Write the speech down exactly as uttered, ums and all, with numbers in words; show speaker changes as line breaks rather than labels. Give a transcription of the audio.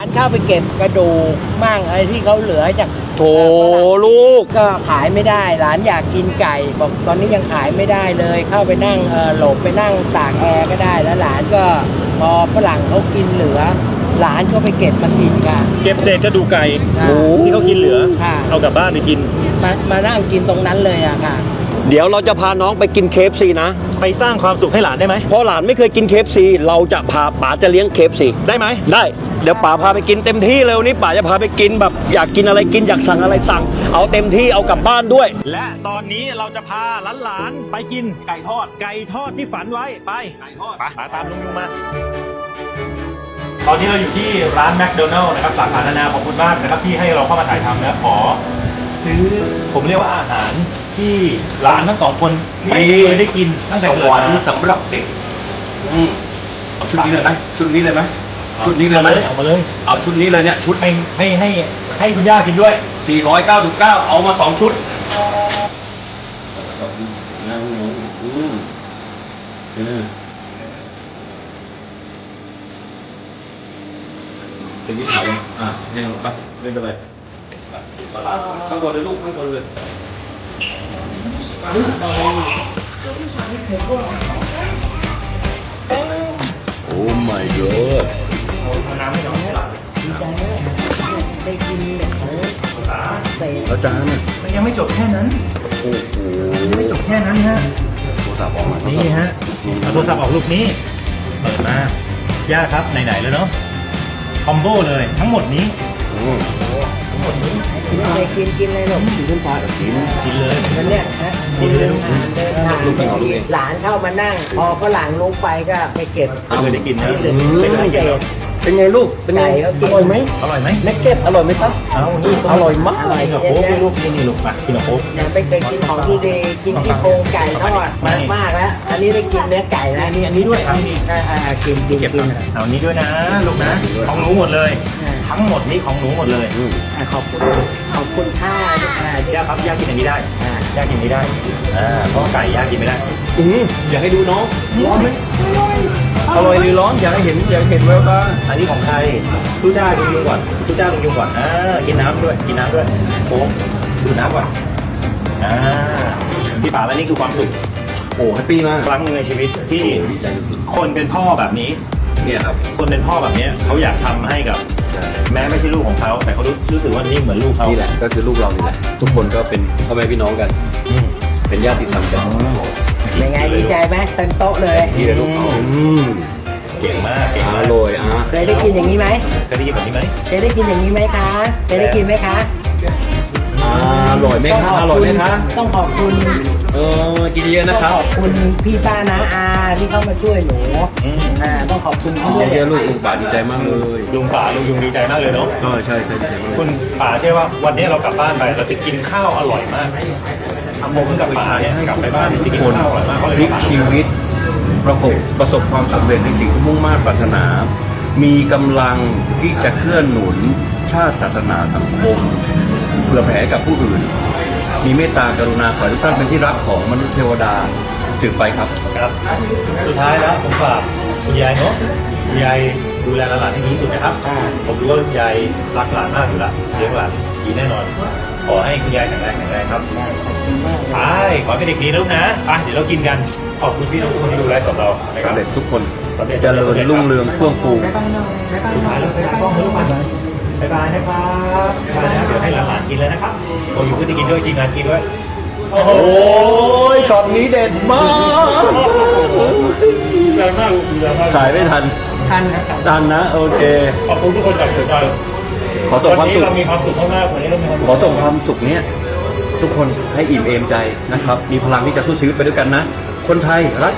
เข้าไปเก็บกระดูกมั่งอะไรที่เขาเหลือจาก
โถลูก
ก็ขายไม่ได้หลานอยากกินไก่บอกตอนนี้ยังขายไม่ได้เลย เข้าไปนั่งเออหลบไปนั่งตากแอร์ก็ได้แล้วหลานก็พอฝรั่งเขากินเหลือ หลานก็ไปเก็บมากินกัน
เก็บเศษกระดูกไก่
ค่ะ
ที่เขากินเหลือ
ค่ะ
เอากลับบ้านไปกิน
มามานั่งกินตรงนั้นเลยอะค่ะ
เดี๋ยวเราจะพาน้องไปกินเคฟซีนะ
ไปสร้างความสุขให้หลานได้ไหม
เพราะหลานไม่เคยกินเคฟซีเราจะพาป๋าจะเลี้ยงเคฟซี
ได้ไหม
ได้เดี๋ยวป๋าพาไปกินเต็มที่เลยวันนี้ป๋าจะพาไปกินแบบอยากกินอะไรกินอยากสั่งอะไรสั่ง เอาเต็มที่เอากลับบ้านด้วย
และตอนนี้เราจะพาหลานๆไปกินไก่ทอด ไก่ทอดที่ฝันไว้ไปไก่ทอดไปตามลุงยุงมา ตอนนี้เราอยู่ที่ร้านแมคโดนัลล์นะครับสาขานานาขอบคุณมากนะครับที่ให้เราเข้ามาถ่ายทำนะขอซื้อผมเรียกว่าอาหารที่หลานทั้งสองคนไม่เคยได้กินตั้งแต่เกิดมา
สำหรับเด็กอืมเอาชุดนี้เลยไหมชุดนี้เลยไหมชุดนี้เลยไหม
เอามาเลย
เอาชุดนี้เลยเนี่ยชุด
ให้ให้ให้ให้คุณย่ากินด้วย
สี่ร้อยเก้าสิบเก้าเอามาสองชุดเป็นที่ถามอ่ะยังไงปะเล่นไปเลยข้างบนเลยลูกข้างบนเลยโอ้ my god
เอาน้ำให้น้องให้หลาน
ดีใจมากได้กินแบบเออเศษ
แล้วจานน่ะ
มันยังไม่จบแค่นั้น
โอ้โห
ไม่จบแค่นั้นฮะ
โทรศัพท์ออกมา
นี่ฮะเอาโทรศัพท์ออกลูกนี้เปิดมาย่าครับไหนๆแล้วเนาะคอมโบเลยทั้งหมดนี้
อืม
ทั้งหมดนี้
กินเลยกินกินเลยหนู
กินขึ้นฟ้ากิน
กินเลย
มันเนี่ยนะ
กินเลยลูก
เดินทาง
ลูกไปเอาลูกเอง
หลานเข้ามานั่ง พอฝรั่งลงไปก็ไปเก็บ
ไม่เคยได้กินนะ
ที่เหลือเป็นเศษ
เป็นไงลูกเป็นไง
ไก่เขากิน
อร่อยไหม
อร่อยไหม
เนกเก็ตอร่อยไหมครับ
เอานี่
อร่อยมาก
อร่อย
กินกับโค้กลูกกินนี่ลูกอ่ะกินกับโค้ก
ยังไม่เคยกินของดีๆกินที่โครงไก่ทอด
ไม่
มากมากแล้ว อันนี้ได้กินเนื้อไก่แล้ว
อันนี้อันนี้ด้วยครับนี่
อ่าอ่ากินกิน
เก็บ
กิน
เอาอันนี้ด้วยนะลูกนะของหนูหมดเลย ทั้งหมดนี้ของหนูหมดเลย
อืม
อ่าขอบคุณขอบคุณค่าอ่า
ย่าครับย่ากินอย่างนี้ได้
อ่า
ย่ากินอย่างนี้ได้อ่าเพราะไก่ย่ากินไม่ได้
อืมอยากให้ดูน้องร้อนไหมอร่อยหรือร้อนอยากให้เห็นอยากเห็นแววตา
อันนี้ของใครทุจ้าลุงยุงก่อนทุจ้าลุงยุงก่อนอ่ากินน้ำด้วยกินน้ำด้วยโค้กดูน้ำก่อนอ่าพี่ป๋าแล้วนี่คือความสุข
โอ้แฮปปี้มาก
ครั้งหนึ่งในชีวิตที่
ดีใจสุด
คนเป็นพ่อแบบนี้
ๆเนี่ยครับ
คนเป็นพ่อแบบนี้เขาอยากทำให้กับ แม้ไม่ใช่ลูกของเขาแต่เขารู้รู้สึกว่านี่เหมือนลูกเขา
นี่แหละก็คือลูกเรานี่แหละทุกคนก็เป็นพ่อแม่พี่น้องกัน
อืม
เป็นญาติธรรมกัน
เป็นไงดีใจไหมเต็มโต๊ะเลย
ที่ลูกเขาอืม
เก่งมากเก่ง
อ
มาก
ร่อยอ่ะ
เคยได้กินอย่างนี้ไหม
เคยได้ยินแบบนี้ไหม
เคยได้กินอย่างนี้ไหมคะเคยได้กินไหมคะ
อร่อยไหมคะอร่อยไหมคะ
ต้องขอบคุณ
เออกินเยอะๆนะค
ต้
รั
อง
บ
ขอบคุณพี่ป้าน้าอาที่เข้ามาช่วยหนู
อืม
อ่าต้องขอบคุณเขาด้วย
เยอะๆลูกลุงป่าดีใจมากเลย
ลุงป๋าลุงยุงดีใจมากเลยเนาะ
เออใช่ใช่ดีใจมาก
คุณป๋าเชื่อว่าวันนี้เรากลับบ้านไปเราจะกินข้าวอร่อยมากผมกับป๋าเนี่ยกลับไปบ้านจะกินข้าวอร่อยมากเพราะ
พ
อะไร
ลิก
ป๋า
ชีวิตประสบประสบความสำเร็จในสิ่งที่มุ่งมั่นปรารถนา มีกำลังที่จะเคลื่อนหนุนชาติศาสนาสังคมเพื่อแผ่ให้กับผู้อื่น มีเมตตากรุณาขอให้ทุกท่านเป็นที่รักของมนุษย์เทวดาสืบไปครับ
ครับสุดท้ายแล้วผมฝากคุณยายเนาะคุณยายดูแลหลานให้ดีที่สุดนะครับ ผมรู้ว่าคุณยายรักหลานมากอยู่แล้วเลี้ยงหลานดีแน่นอน ขอให้คุณยายแข็งแรงแข็งแรงครับไปขอให้เป็นเด็กดีนะลูกนะไปเดี๋ยวเรากินกันขอบคุณพี่น้องทุกคนที่ดูไลฟ์สดเรานะครับ
สำเร็จทุกคน
สำเร็จ
เจริญรุ่งเรืองเฟื่องฟู
สุดท้ายแล้วไปตากล้องเลยลูกไปบ๊ายบายนะครับบ๊ายบายนะเดี๋ยวให้หลานๆกินเลยนะครับโอ้ยก็จะกินด้วยทีมงานกินด้วยโอ้โห
โอ้ยช็อตนี้เด็ดมาก
แรงมากแรงมาก
ถ่ายไม่ทัน
ท่านนะ
ทันนะโอเค
ขอบคุณทุกคนจากสุดใจ
ขอส่งความสุข
วันนี้เรามีความสุขมากๆวันนี้เรามีความสุข
ขอส่งความสุขเนี้ยทุกคนให้อิ่มเอมใจนะครับ มีพลังที่จะสู้ชีวิตไปด้วยกันนะ คนไทยรัก